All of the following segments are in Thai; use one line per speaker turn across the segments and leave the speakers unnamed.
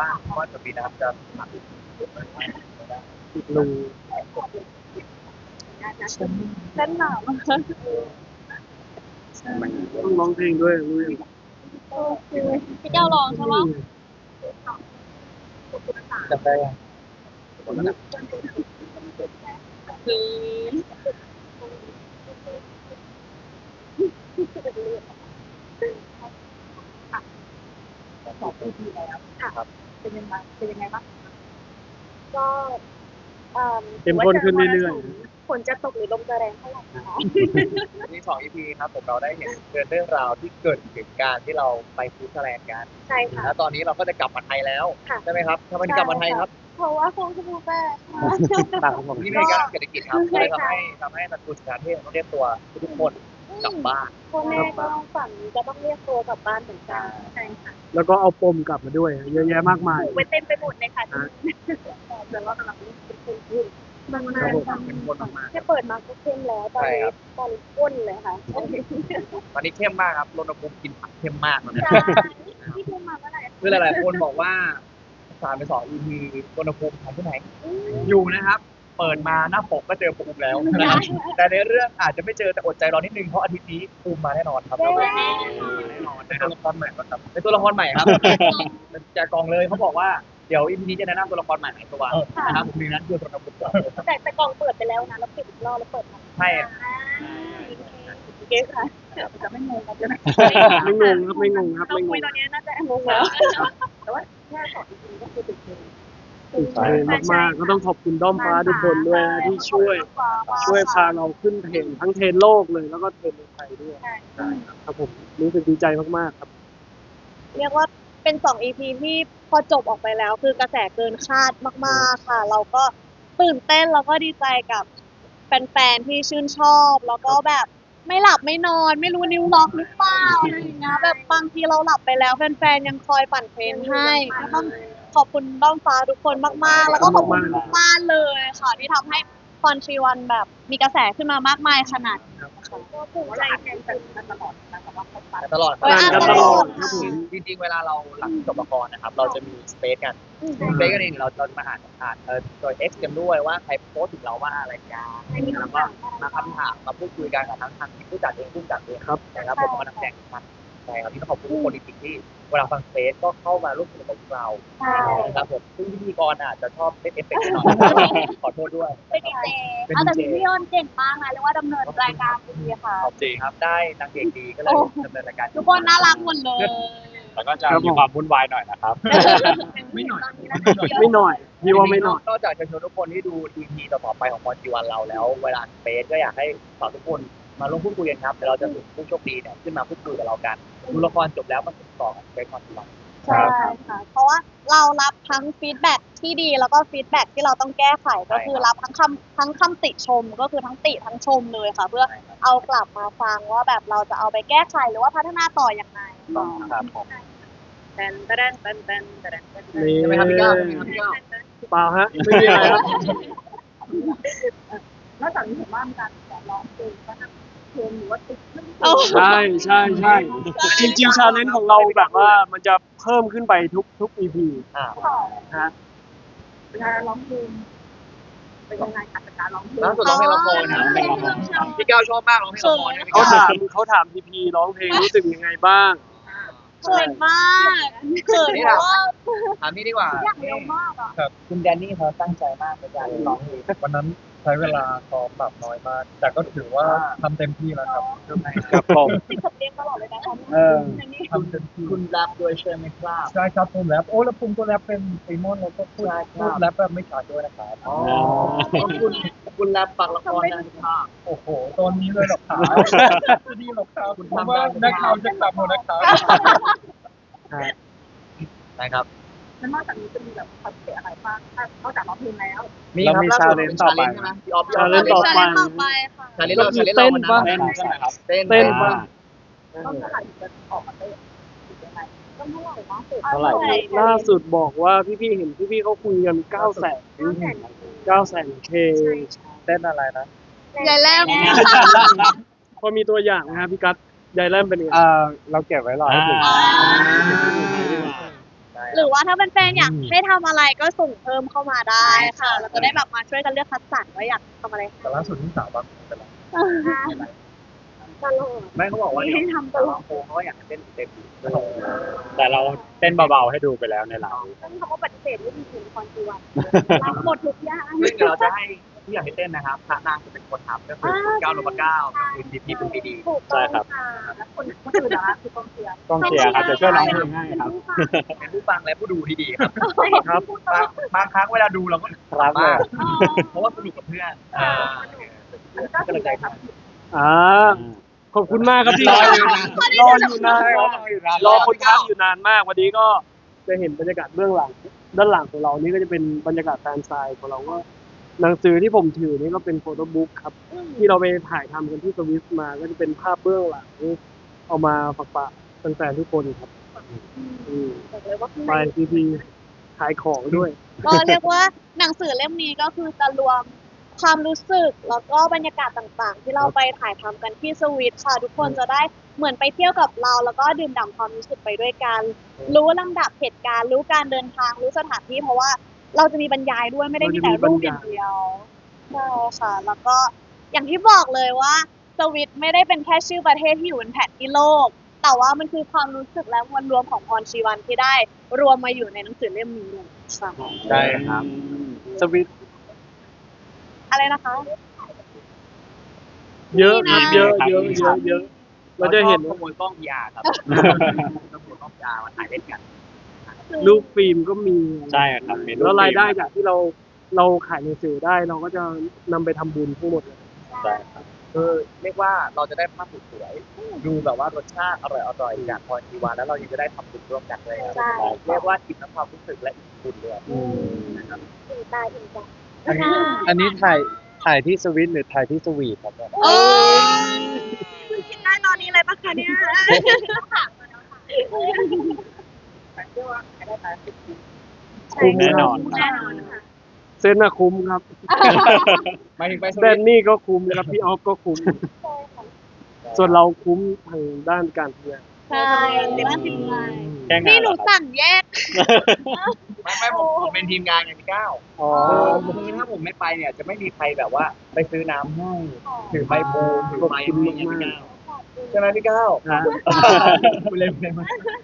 บ้างว่าจะมีน้ำจะหนัก
อีกรู
ฉันหนาว
ต้องร้องเพลงด้วยรู้ยัง
พี่เจ้าลองใช่ไหม
จำได้ยัง
คือ2 ปีแล้วค่ะเป็นยังไงบ้างก็
เข้มข้นขึ้นเรื่อย
ฝนจะตกหรือลมจะแรงเท่าไหร่นะคะ
มี2 EP ครับผมเราได้เห็นเรื่องราวที่เกิดถึงการที่เราไปสวิตเซอร์แลนด์กัน
ใช่ค่ะ
แล้วตอนนี้เราก็จะกลับมาไทยแล้ว
ค่ะ
ใช่ไหมครับทำไมถึงกลับมาไทยครับ
เพราะว่าคงจะมูแม่
ๆต่างของผม
นี่เป็นการเศรษฐกิจครับก็เลย
ใช่
ทำ
ค่ะ
ให้นักทุนการเทศต้องเรียกตัวทุกคนกลับบ้าน
พ่อแม่ก็ฝันจะต้องเรียกตัวกลับบ้านเหมือนกันใช่ค่ะ
แล้วก็เอาปมกลับมาด้วยเยอะแยะมากมาย
ถูกไปเต็มไปหมดเลยค่ะแต่ว่ากำลังเป็นคนพูดบางนาน
เป็นคนมาก
แค่เปิดมาก็เข้มแล้วตอนนี้ข้นเลยค่ะ
ๆตอนนี้เข้มมากครับรณภูมิกินผักเข้มมากตอนนี้
ใช่ที่พูดมาเมื่อไหร่
คือหลายๆคนบอกว่า3 ไป 2 EP รณภูมิหายที่ไหน อยู่นะครับ เปิดมาหน้าปกก็เจอภูมิแล้วนะครับแต่ในเรื่องอาจจะไม่เจอแต่อดใจรอนิดนึงเพราะอาทิตย์นี้ภูมิมาแน่นอนครับแน่นอนเป็นตัวละครใหม่ครับเป็นตัวละครใหม่ครับจากกองเลยเขาบอกว่าเดี๋ยวอีพีนี้จะแนะนำตัวละครใหม่ในตัวนะครับผมมีนั้นคือตัวละครก่อน
แต่กล่องเปิดไปแล้วนะแล้วปิดอีกรอบแล้วเปิดมา
ใช่
โอเคค่ะจะไม่งงกันใช่ไหม
ไม่งงครับไม่งงครับ
เรา
ไม่ง
คุย
ง
ตอนนี้น่าจะงงแล้วแต่ว่าแค่2 EPก็คือติดเลย
ตื่นเต้นมากๆก็ต้องขอบคุณด้อมฟ้าทุกคนด้วยนะที่ช่วยพาเราขึ้นเทรนด์ทั้งเทรนด์โลกเลยแล้วก็เทรนด์ในไทยด้วยครับผมรู้สึกดีใจมากๆครับ
เรียกว่าเป็น2 EP ที่พอจบออกไปแล้วคือกระแสเกินคาดมากๆค่ะ เราก็ตื่นเต้นแล้วก็ดีใจกับแฟนๆที่ชื่นชอบแล้วก็แบบไม่หลับไม่นอนไม่รู้นิ้วล็อกหรือเปล่าอะไรอย่างเงี้ยแบบบางทีเราหลับไปแล้วแฟนๆยังคอยปั่นเทรนให้ก็ต้องขอบคุณด้อมฟ้าทุกคนมากๆ แล้วก็ขอบคุณทุกบ้านเลยค่ะที่ทำให้คอนทรีวันแบบมีกระแสขึ้นมามากมายขนาดนี้ค่ะก็ภูมิใจแทนกันตลอดนะสำหรับคนฟัง
ตลอด
อ่านกันตลอดครับผม
จริงๆเวลาเราหลังจบละครนะครับ เราจะมีสเปซกันสเปซกันเองเราจะมาอ่านโดย X กันด้วยว่าใครโพสต์ถึงเราว่าอะไรกันแล้วก็มาคำถามมาพูดคุยกันกับทั้งผู้จัดเองผู้จัดเอง
ครับ
นะครับผมมานักแสดงทุกท่านใช่ครับที่ต้องขอบคุณทุกคนจริงๆที่เวลาฟังสเปซก็เข้ามาร่วมสนุกกับพวกเรา
ใช่
นะครับผมซึ่งพิธีกรอาจจะชอบเล่นเอฟเฟกต์หน่อยขอโทษด้วย
เป็นดีเจแต่พี่ยอนเก่งมากนะเรียกว่าดำเนินรายการดีค่ะ
ขอบจริงครับได้นางเอกดีก็เลยดำเนินรายการ
ทุกคนน่ารักหมดเลย
แล้วก็จะมีความวุ่นวายหน่อยนะครับ
ไม่หน่อย
ไม่หน่อยพี่ว่าไม่หน่อย
นอกจากเชิญชวนทุกคนที่ดู EP ต่อๆไปของพรจีวันเราแล้วเวลาสเปซก็อยากให้ฝากทุกคนมาร่วมพูดคุยกันครับเดี๋ยวเราจะส่งผู้โชคดีเนี่ยขึ้นมาพูดคุยกับเรากันดูละครจบแล้วมันติดต่อกับสเปซพรจีวัน
ใช่ค่ะ เพราะว่าเรารับทั้งฟีดแบ็กที่ดีแล้วก็ฟีดแบ็กที่เราต้องแก้ไขก็คือรับทั้งคำติชมก็คือทั้งติทั้งชมเลยค่ะ เพื่อเอากลับมาฟังว่าแบบเราจะเอาไปแก้ไขหรือว่าพัฒนาต่ออย่างไร
ครับผม
แตนแตนแตนแตนแตนแตน
นี่
ใช่ไหมครับพี่ก้าวใช่ไหมครับพี่ก้าว
เปล่าฮะไม่มีอะไรครับ
นอกจากนี้เห็นว่ามีการร้องเพลงก็ทำเพลงหรือว่าติ๊ก
ใช่ใช่ใช่จริงๆชาเลนจ์ของเราแบบว่ามันจะเพิ่มขึ้นไปทุก EP
อ่า
นะฮะ
เวลาร้องเพลงเป็นยังไงคะการร้องเพลง
ล่าสุดร้องเพลงละครนะพี่ก้าวชอบมากร้องเพลงละครนะพี่
เขา
ก้าว
ถามพีพีร้องเพลงรู้สึกยังไงบ้าง
เขินมากเขินเพราะว่า
ถามนี่ดีกว่า
อยากเร็วมากอ่ะ
ครับคุณแดนนี่เขาตั้งใจมากในการร้องเพลง
วันนั้นใช้เวลาซ้อมแบบน้อยมาก แต่ก็ถือว่าทำเต็มที่แล้วครับ
ครับผม
ติดสำเนียงตลอดเลยนะคะ
เออ
ทำเต็มที่
คุณแรปด้วยใช่ไหมครับ
ใช่ครับผมแรปโอ้แล้วผมก็แรปเป็นไอมอนแล้วก็พูดแรปแบบไม่ขาดด้วยนะครับ
อ๋อคุณแรปปักละครนะครับ
โอ้โหตอนนี้เลยหรอกครับจะดีหรอกครับ
คุณ
เพราะ
ทำ
ว่า
ได้
นักข่าวจะกลับหมดนะครับ
นะครับ
แล้วนอกจากนี้จะมีแบบคอนเสิร์ตอะไรบ้างนอกจากร้องเพลงแล้ว
มีครับ
เรามี
ล่าสุด
challenge
เป็น
ต่อไป
challenge ใช่ไหมพี่ออฟ
challenge ต่อไป
ค่ะ
challenge เรา challenge เราวันนั้น
เต้นปะ
ใช่ไหมครับ
เต้น
เต้นปะ
ต้องเท่าไหร่จะออกมาเต้นยังไงต้องเท่าไหร่บ้าง
เท่าไหร่
ล่าสุดบอกว่าพี่ๆเห็นพี่ๆเขาคุยกัน900,000 K
เต้นอะไรนะ
ยายแรม
พอมีตัวอย่างนะครับพี่กัสยายแรมเป็นยังไง
เราเก็บไว้รอให้ถึง
ใช่
หรือว่าถ้าเป็นแฟนๆอยากให้ทำอะไรก็ส่งเพิ่มเข้ามาได้ค่ะเราจะได้แบบมาช่วยกันเลือกคัดสรรว่าอยากทำอะไร
แต่ล่าสุดที่สาวบางคนเป็นไร
ตลอด
ไม่เขาบอกว่า
ไม่ได้ทำตลอด
บางโพเขาก็อยากให้เต้นเต็มที่
แต่เราเต้นเบาๆให้ดูไปแล้วในไลฟ์
เขาก็ปฏิเสธไม่มีถึงคอนจีวันรับหมดทุกอย่าง
ซึ่งเดี๋ยวเราจะให้ที่อยากให้เต้นนะครับพระนางจะเป็นคนทำก็คือ9 นพ9กับคุณพีคุณพีดี
ถูกต้องค่ะแล้วคนอื่นนะคะคือกองเชียร์
กองเชียร์ครับจะช่วยร้องเพลงให้ครับ
เป็นผู้ฟังและผู้ดูที่ดีครับ
ครับ
บางครั้งเวลาดูเราก็
ครับเลย
เพราะว่าสนุกกับเพื่อนก็เลยใจครับ
ขอบคุณมากครับที่
รออยู่นาน
รออยู่นานครับรอคนทักอยู่นานมากวันนี้ก็จะเห็นบรรยากาศเบื้องหลังด้านหลังของเรานี่ก็จะเป็นบรรยากาศแฟนไซน์ของเราก็หนังสือที่ผมถือนี่ก็เป็นโฟโต้บุ๊กครับ ที่เราไปถ่ายทำกันที่สวิสมาก็จะเป็นภาพเบื้องหลังเอามาฝากแฟนๆทุกคนครับ
บอกเลยว่าข้าง
ไป
ใน
ทีขายของด้วย
ก็เรียกว่าหนังสือเล่มนี้ก็คือจะรวมความรู้สึกแล้วก็บรรยากาศต่างๆ ที่เราไปถ่ายทำกันที่สวิตค่ะ ทุกคนจะได้เหมือนไปเที่ยวกับเราแล้วก็ดื่มด่ำความรู้สึกไปด้วยกัน รู้ลำดับเหตุการณ์รู้การเดินทางรู้สถานที่เพราะว่าเราจะมีบรรยายด้วยไม่ได้มีแต่รูปอย่างเดียวใช่ค่ะ แล้วก็อย่างที่บอกเลยว่าสวิตไม่ได้เป็นแค่ชื่อประเทศที่อยู่บนแผนที่โลก แต่ว่ามันคือความรู้สึกและมวลรวมของพรชีวันที่ได้รวมมาอยู่ในหนังสือเล่มนี้เลยค่ะ
ใช่ครับสวิต
อะไรนะคะ
เยอะครับเยอะเราจะเห็น
ขโมยกล้อง PR ครับขโมยกล้อง PR มาถ่ายเล่นกัน
รูปฟิล์มก็มี
ใช่ครับมี
แล้วรายได้จากที่เราขายหนังสือได้เราก็จะนำไปทำบุญทั้งหมดเลย
ใช่ครับ
เรียกว่าเราจะได้ภาพสวยๆดูแบบว่ารสชาติอร่อยๆจากพรชีวานแล้วเรายังจะได้ทำบุญร่วมกันเลยครับ
ใช่
เรียกว่าอิ่มทั้งความรู้สึกและอิ่มบุญเลย
นะครับถึงตาถึงใจ
อันนี้ถ่ายที่สวิตหรือถ่ายที่สวีทครับเนี่ย
โอ้ยคิดได้ตอนนี้เลยปะคะเนี่ย
คุ้มแน่นอน
แน่นอนค่ะ
เซนน่ะคุ้มครับ
หมายถึงไปส
แด
วิต
นนี่ก็คุ้มครับพี่ออฟก็คุ้ม
ใช่ค่ะ
ส่วนเราคุ้มทางด้านการทำงาน
ใช่บ้านถึงใจ
แค่งา
นี่
น
หนูสั่งแยก
ไม่ผมเป็นทีมงานอย่างที่ก้าว
อ๋อ
คือถ้าผมไม่ไปเนี่ยจะไม่มีใครแบบว่าไปซื้อน้ำให้ถือใบโพถือไม้ให้อย่างพี่ก้าวใช่ไหมพี่ก้าว
นะ
คุณเล่นมา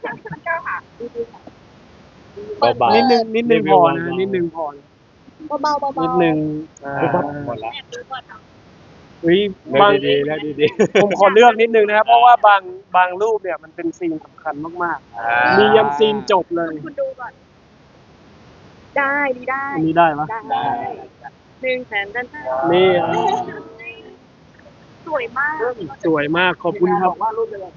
เบาๆ
นิดนึงพอนะนิดนึงพอนะ
เบาๆเบาๆ
นิดนึง
หมดแล้ว
แอบดูก่อนเนาะ
เฮ้ย
เลือก
บาง
ดีๆเลือกดี
ผมขอเลือกนิดนึงนะครับ เพราะว่าบางรูปเนี่ยมันเป็นซีนสำคัญมาก
ๆ
ๆ มียันซีนจบเลย
คุณดูก่อน ได้ดีได้
อันนี้ได้ปะ
ได้หนึ่งแสนด้านหน้า
นี่
สวยมาก
สวยมากขอบคุณครับ
ว่ารูปเป็นอะไร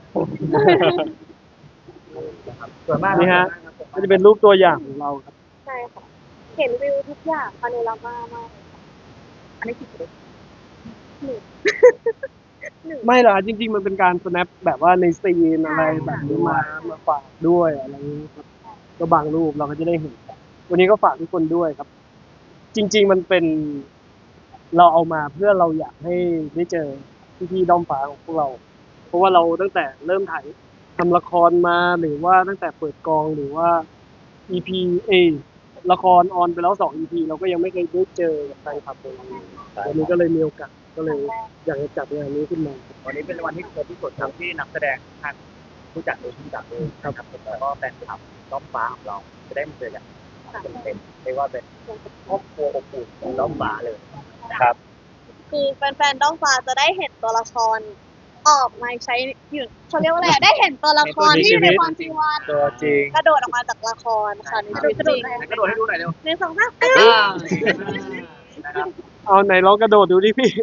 สวยมาก
นี่ฮะ ก็จะเป็นรูปตัวอย่างของเราครับ
ใช่ค่ะ เห็นวิวทุกอย่างพาโนรามามากอันนี้กี่ตัวหนึ่ง
ไม่หรอกจริง ๆ มันเป็นการ snap แบบว่าในซีนอะไรแบบนี้มาฝากด้วยอะไรอย่างนี้ครับก็บางรูปเราก็จะได้เห็น วันนี้ก็ฝากทุกคนด้วยครับ จริง ๆ มันเป็น เราเอามาเพื่อเราอยากให้ได้เจอพี่ๆด้อมฟ้าของพวกเรา เพราะว่าเราตั้งแต่เริ่มถ่ายทำละครมาหรือว่าตั้งแต่เปิดกองหรือว่า EP ละครออนไปแล้ว2 EP เราก็ยังไม่เคยได้เจอกับแฟนคลับเลยวันนี้ก็เลยมีโอกาสก็เลยอยากจะจัดงานนี้ขึ้นมา
วันนี้เป็นวันที่ครบที่สุดครับที่นักแสดงท่านผู้จัดโดยผู้จัดเลยครับผมแล้วก็แฟนคลับด้อมฟ้าของเราจะได้มาเจอกันเป็นเรียกว่าเป็นครอบครัวอบอุ่นของด้อมฟ้าเลยครับ
คือแฟนๆด้อมฟ้าจะได้เห็นตัวละครออกมาใช้อยู่เขาเรียกว่าอะไรได้เห็นตัวละครที่อยู่ในความจริงวัน
ตัวจริง
กระโดดออกมาจากละครค่ะในชีวิตจริง
กระโดดให้ดูหน่อยเร็ว
หนึ่งสองสาม
นะครับ
เอาไหนลองกระโดดดูดิพี่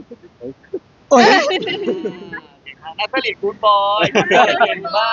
นักผลิตกู๊ดบอยเก่งมาก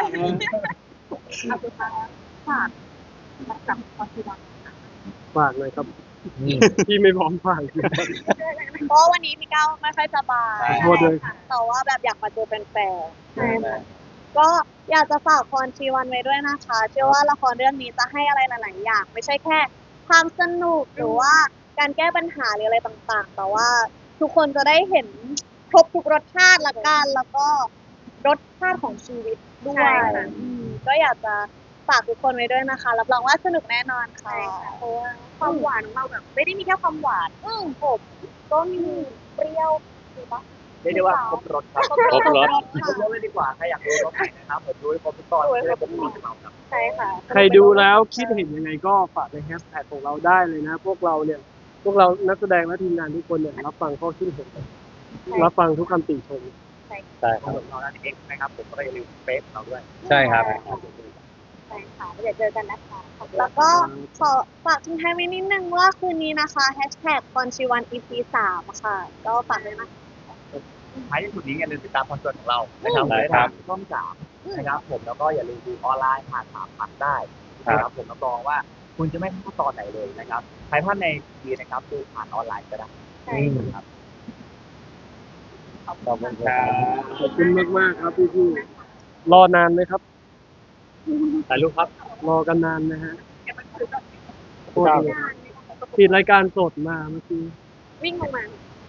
ฝากเลยครับพี่ไม่พร้อมฝาก
เพราะวันนี้พี่ก้าวไม่ค่อยสบาย
โทษเลย
แต่ว่าแบบอยากมาเจอแฟนๆก็อยากจะฝากพรชีวันไว้ด้วยนะคะ เชื่อว่าละครเรื่องนี้จะให้อะไรหลายๆอย่างไม่ใช่แค่ความสนุกหรือว่าการแก้ปัญหาหรืออะไรต่างๆ แต่ว่าทุกคนจะได้เห็นครบทุกรสชาติละกันแล้วก็รสชาติของชีวิตด้วยก็อยากจะฝากทุกคนไว้ด้วยนะคะรับรองว่าสนุกแน่นอนค่ะ
เพราะว่าความหวานของเราแบบไม่ได้มีแค่ความหวานผมก็มีเปรี้ยวถูกปะ
เรียกได้ว่าครบรถครับ
ครบรส
ครบรถเลยดีกว่าใครอยากดูรถไหนนะครับผมดูให้ครบทุกตอนจะได้ครบทุกตอนครับ
ใช่ค่ะ
ใครดูแล้วคิดเห็นยังไงก็ฝากในแฮชแท็กของเราได้เลยนะ พวกเรานักแสดงและทีมงานทุกคนเนี่ยรับฟังข้อคิดเห็นรับฟังทุกคำติชม
ใช่ค
ทั้
รั
ง
บ
หมดเราด้านเอ็กนะครับผมก็อย่าลืมเฟซเราด้วย
ใช่ครับ
ใช่ค่ะเดี๋ยวเจอกันนะคะขอบคุณ
แล้วก็ขอฝากทิ้งท้ายไว้นิดนึงว่าคืนนี้นะคะแฮชแท็กคอนชิวัน EP 3ค่ะก็ฝากด้วยนะ
ท้ายที่สุดนี้อย่าลืมติดตามคอนเสิร์ตของเรานะครับ
ได้
ได้
ครั
ทา
บ
งช่อง3นะครับผมแล้วก็อย่าลืมดูออนไลน์ผ่าน3พันได้นะครับผมรับรองว่าคุณจะไม่พลาดตอนไหนเลยนะครับใครพลาดในทีนะครับดูผ่านออนไลน์ก็ได้ครับ
ขอบคุณครับ
ขอบคุณมากๆครับพี่ๆรอนานไหมครับ
ถ่ายรูปครับ
รอกันนานนะฮะโอเคปิดรายการสดมาเมื่อกี้
วิ่งลงมา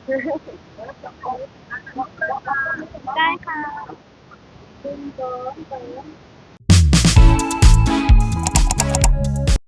ได้ค่ะ